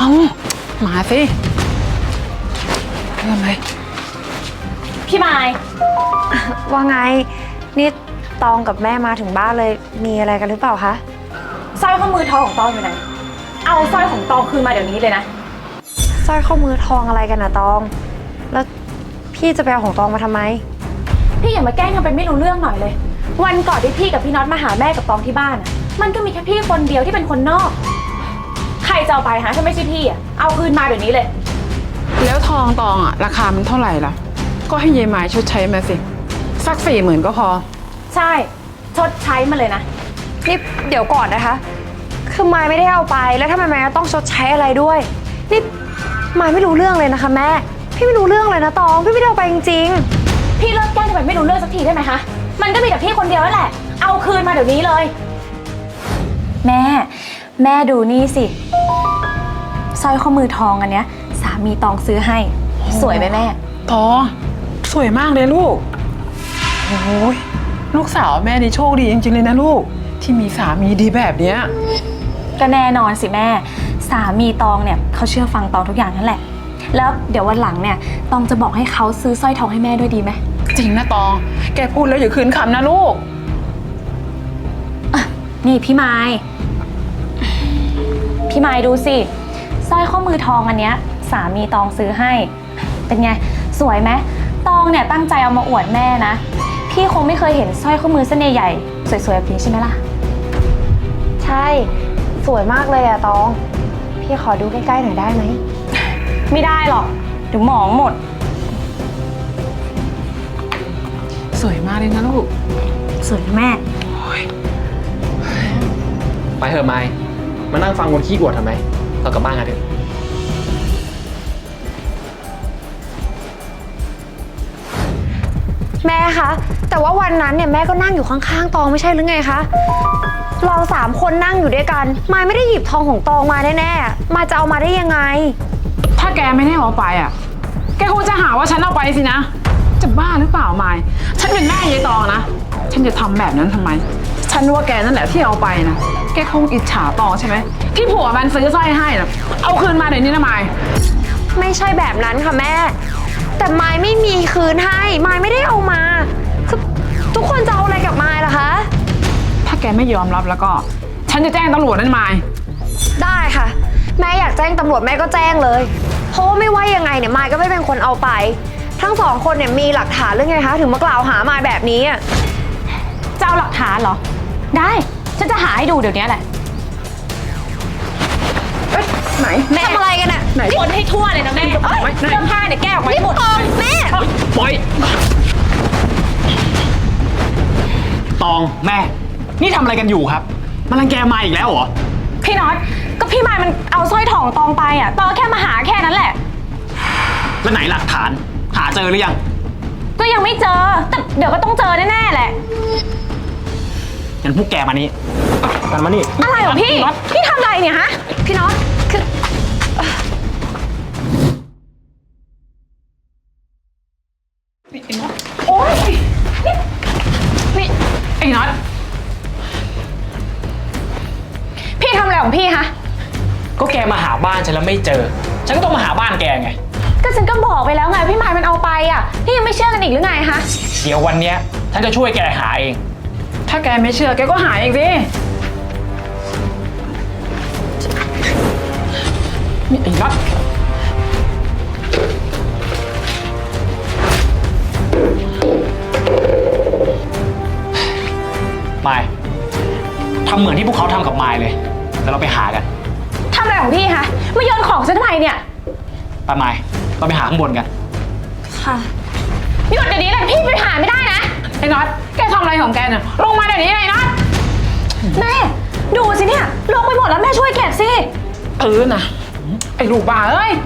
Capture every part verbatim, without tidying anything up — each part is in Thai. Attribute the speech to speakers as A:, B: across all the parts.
A: เอามาสิเรื่องอะไร
B: พี่ไม้
C: ว่าไงนี่ตองกับแม่มาถึงบ้านเลยมีอะไรกันหรือเปล่าคะ
B: สร้อยข้อมือทองของตองอยู่ไหนเอาสร้อยของตองคืนมาเดี๋ยวนี้เลยนะ
C: สร้อยข้อมือทองอะไรกันนะตองแล้วพี่จะไปเอาของตองมาทำไม
B: พี่อย่ามาแกล้งทำเป็นไม่รู้เรื่องหน่อยเลยวันก่อนที่พี่กับพี่น็อตมาหาแม่กับตองที่บ้านอ่ะมันก็มีแค่พี่คนเดียวที่เป็นคนนอกใครจะเอาไปหาถ้าไม่ใช่พี่อ่ะเอาคืนมาเดี๋ยวนี้เลย
A: แล้วทองตองอ่ะราคามันเท่าไหร่ล่ะก็ให้ยายไม้ชดใช้มาสิสักสี่หมื่นก็พอ
B: ใช่ชดใช้มาเลยนะ
C: นี่เดี๋ยวก่อนนะคะคือไม้ไม่ได้เอาไปแล้วทำไมไม้ต้องชดใช้อะไรด้วยนี่ไม้ไม่รู้เรื่องเลยนะคะแม่พี่ไม่รู้เรื่องเลยนะตองพี่ไม่ได้เอาไปจริง
B: ๆพี่เลิกแกล้งทำไมไม่รู้เรื่องสักทีได้ไหมคะมันก็มีแต่พี่คนเดียวนั่นแหละเอาคืนมาเดี๋ยวนี้เลยแม่แม่ดูนี่สิสร้อยข้อมือทองอันเนี้ยสามีตองซื้อให้สวยไหมแม่
A: ตองสวยมากเลยลูกโอ้ยลูกสาวแม่นี่โชคดีจริงๆเลยนะลูกที่มีสามีดีแบบเนี้ย
B: ก็แน่นอนสิแม่สามีตองเนี่ยเขาเชื่อฟังตองทุกอย่างนั่นแหละแล้วเดี๋ยววันหลังเนี่ยตองจะบอกให้เขาซื้อสร้อยทองให้แม่ด้วยดีไหม
A: จริงนะตองแกพูดแล้วอย่าคืนคำนะลูก
B: นี่พี่ไม้พี่ไม้ดูสิสร้อยข้อมือทองอันเนี้ยสามีตองซื้อให้เป็นไงสวยไหมตองเนี่ยตั้งใจเอามาอวดแม่นะพี่คงไม่เคยเห็นสร้อยข้อมือเส้นใหญ่ๆสวยๆแบบนี้ใช่ไหมล่ะ
C: ใช่สวยมากเลยอะตองพี่ขอดูใกล้ๆหน่อยได้ไหม
B: ไม่ได้หรอกเดี๋ยวหมองหมด
A: สวยมากเลยนะลูก
B: สวยแม่
D: ไปเถอะไมค์มานั่งฟังคนขี้อวดทำไมเรากลับบ้านกันเถอะ
C: แม่คะแต่ว่าวันนั้นเนี่ยแม่ก็นั่งอยู่ข้างๆตองไม่ใช่หรือไงคะเราสามคนนั่งอยู่ด้วยกันมายไม่ได้หยิบทองของตองมาแน่ๆมายจะเอามาได้ยังไง
A: ถ้าแกไม่ได้เอาไปอ่ะแกคงจะหาว่าฉันเอาไปสินะจะบ้าหรือเปล่ามายฉันเป็นแม่ยายตองนะฉันจะทำแบบนั้นทำไมฉันว่าแกนั่นแหละที่เอาไปนะแกคงอิจฉาตองใช่ไหมที่ผัวมันซื้อสร้อยให้นะเอาคืนมาเดี๋ยวนี้นะมาย
C: ไม่ใช่แบบนั้นค่ะแม่แต่มายไม่มีคืนให้มายไม่ได้เอามาคือทุกคนจะเอาอะไรกับมายล่ะคะ
A: ถ้าแกไม่ยอมรับแล้วก็ฉันจะแจ้งตำรวจนั่นมาย
C: ได้ค่ะแม่อยากแจ้งตำรวจแม่ก็แจ้งเลยเพราะว่าไม่ว่ายังไงเนี่ยมายก็ไม่เป็นคนเอาไปทั้งสองคนเนี่ยมีหลักฐานหรือไงคะถึงมากล่าวหามายแบบนี้อ่ะ
B: จะเอาหลักฐานเหรอได้ฉันจะหาให้ดูเดี๋ยวนี้แหละ
A: ไหน
C: แม่ทำอะไรกันอ่ะ
B: คนให้ทั่วเลยนะแม่เสื้อผ้าเนี่ยแก้ออกมาหมด
C: แม่
D: ปล่อยตองแม่นี่ทำอะไรกันอยู่ครับมันรังแกมาอีกแล้วเหรอ
B: พี่น็อตก็พี่มายมันเอาสร้อยทองตองไปอ่ะตองแค่มาหาแค่นั้นแหละ
D: แล้วไหนหลักฐานหาเจอหรือยัง
B: ก็ยังไม่เจอแต่เดี๋ยวก็ต้องเจอแน่ๆแหละ
D: งั้นพวกแกมานี่กันมานี่
B: อะไรเหรอพี่พี่ทำอะไรเนี่ยฮะ
C: พี่น็อตคือ
A: โอ๊ยนี่ไอ้น็อต
B: พี่ทำอะไรของพี่ฮะ
D: ก็แกมาหาบ้านฉันแล้วไม่เจอฉันก็ต้องมาหาบ้านแกไง
B: ก็ฉันก็บอกไปแล้วไงพี่มายมันเอาไปอ่ะพี่ยังไม่เชื่อกันอีกหรือไงฮะ
D: เดี๋ยววันเนี้ยฉันจะช่วยแกหาเอง
A: ถ้าแกไม่เชื่อแกก็หาเองสินี่ไอ้น็อต
D: มายทำเหมือนที่พวกเขาทำกับมายเลยแล้วเราไปหากัน
B: ทำอะไรของพี่คะมาโยนของฉันทำไมเนี่ย
D: ไปมายเราไปหาข้างบนกัน
C: ค่ะ
B: หยุดเดี๋ยวนี้เลยพี่ไปหาไม่ได้นะ
A: ไอ้น็อตแกทำอะไรของแกเนี่ยลงมาเดี๋ยวนี้เลยน็อต
B: แม่ดูสิเนี่ยลงไปหมดแล้วแม่ช่วยเก็บสิ
A: เออนะไอ้ลูกบ้าเอ้ย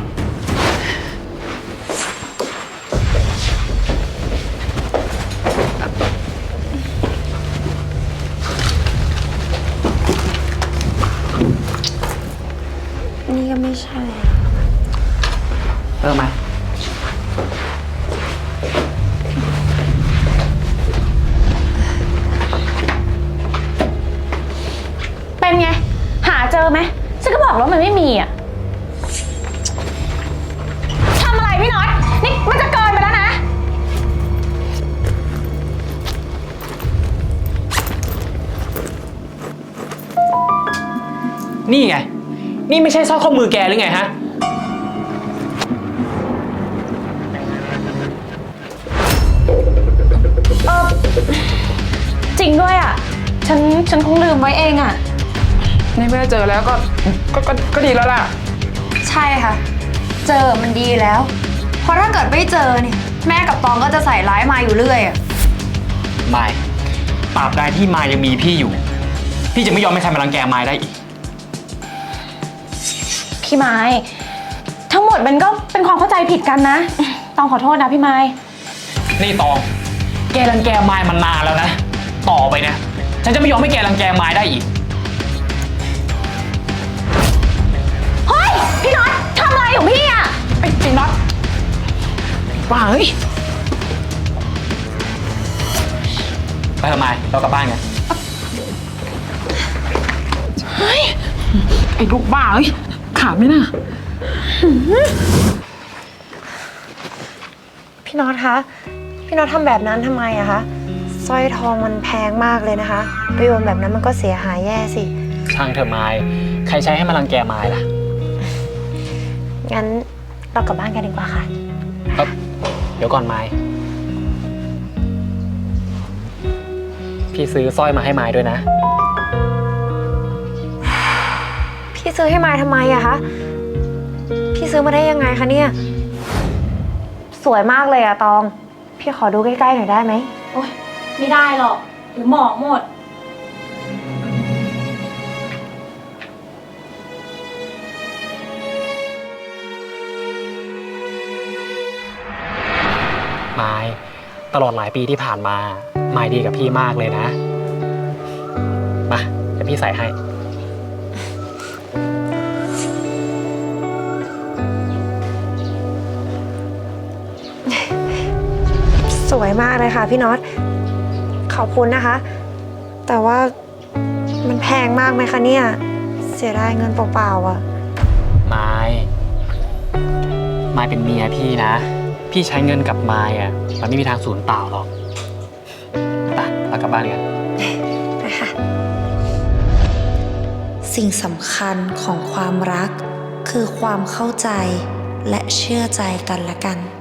C: นี่ก็ไม่ใช่
D: เออมา
B: เป็นไงหาเจอไหมฉันก็บอกแล้วมันไม่มีอ่ะพี่น็อต นี่มันจะเกินไปแล้วนะ
D: นี่ไง นี่ไม่ใช่สร้อยข้อมือแกหรือไงฮะ
B: เออจริงด้วยอ่ะ ฉัน ฉันคงลืมไว้เองอ่ะ
A: ในเมื่อเจอแล้วก็ก็ก็ก็ดีแล้วล่ะ
C: ใช่ค่ะ เจอมันดีแล้ว เพราะถ้าเกิดไม่เจอเนี่ยแม่กับตองก็จะใส่ร้ายมายอยู่เรื่อยอะ
D: มายตราบใดที่มายยังมีพี่อยู่ พี่จะไม่ยอมให้ใครมารังแกมายได้อีก
B: พี่ไม้ ทั้งหมดมันก็เป็นความเข้าใจผิดกันนะ ต้องขอโทษนะพี่ไม้
D: นี่ตอง แกรังแกมายมานานแล้วนะ ต่อไปนะ ฉันจะไม่ยอมให้แกรังแกมายได้อีก
B: เฮ้ย พี่น็อตทำอะไรของพี่อ่ะ
A: ไอ้ไอ้น็อตบ้าเฮ้ย
D: ไปทำไมเรากลับบ้านกัน
A: เฮ้ย ไอ้ลูกบ้าเฮ้ย ขาดไหมน่ะ
C: พี่น็อตคะ พี่น็อตทำแบบนั้นทำไมอะคะสร้อยทองมันแพงมากเลยนะคะไปโยนแบบนั้นมันก็เสียหายแย่สิ
D: ช่างเถอะมาย ใครใช้ให้มารังแกมายล่ะ
C: งั้นเรากลับบ้านกันดีกว่าค่ะ
D: เอ้าเดี๋ยวก่อนมาย พี่ซื้อสร้อยมาให้มายด้วยนะ
C: พี่ซื้อให้มายทำไมอะคะ พี่ซื้อมาได้ยังไงคะเนี่ย สวยมากเลยอะตอง พี่ขอดูใกล้ๆหน่อยได้ไหม
B: โอ๊ย ไม่ได้หรอกหรือหมอกหมด
D: มาย ตลอดหลายปีที่ผ่านมา มายดีกับพี่มากเลยนะ มาเดี๋ยวพี่ใส่ให้
C: สวยมากเลยค่ะพี่น็อต ขอบคุณนะคะ แต่ว่ามันแพงมากไหมคะเนี่ย เสียดายเงินเปล่าๆอะ
D: มายมายเป็นเมียพี่นะ พี่ใช้เงินกับมายอ่ะ มันไม่มีทางสูญเปล่าหรอกไปเรากลับบ้านกัน
C: ไปค่ะ
E: สิ่งสำคัญของความรักคือความเข้าใจและเชื่อใจกันและกัน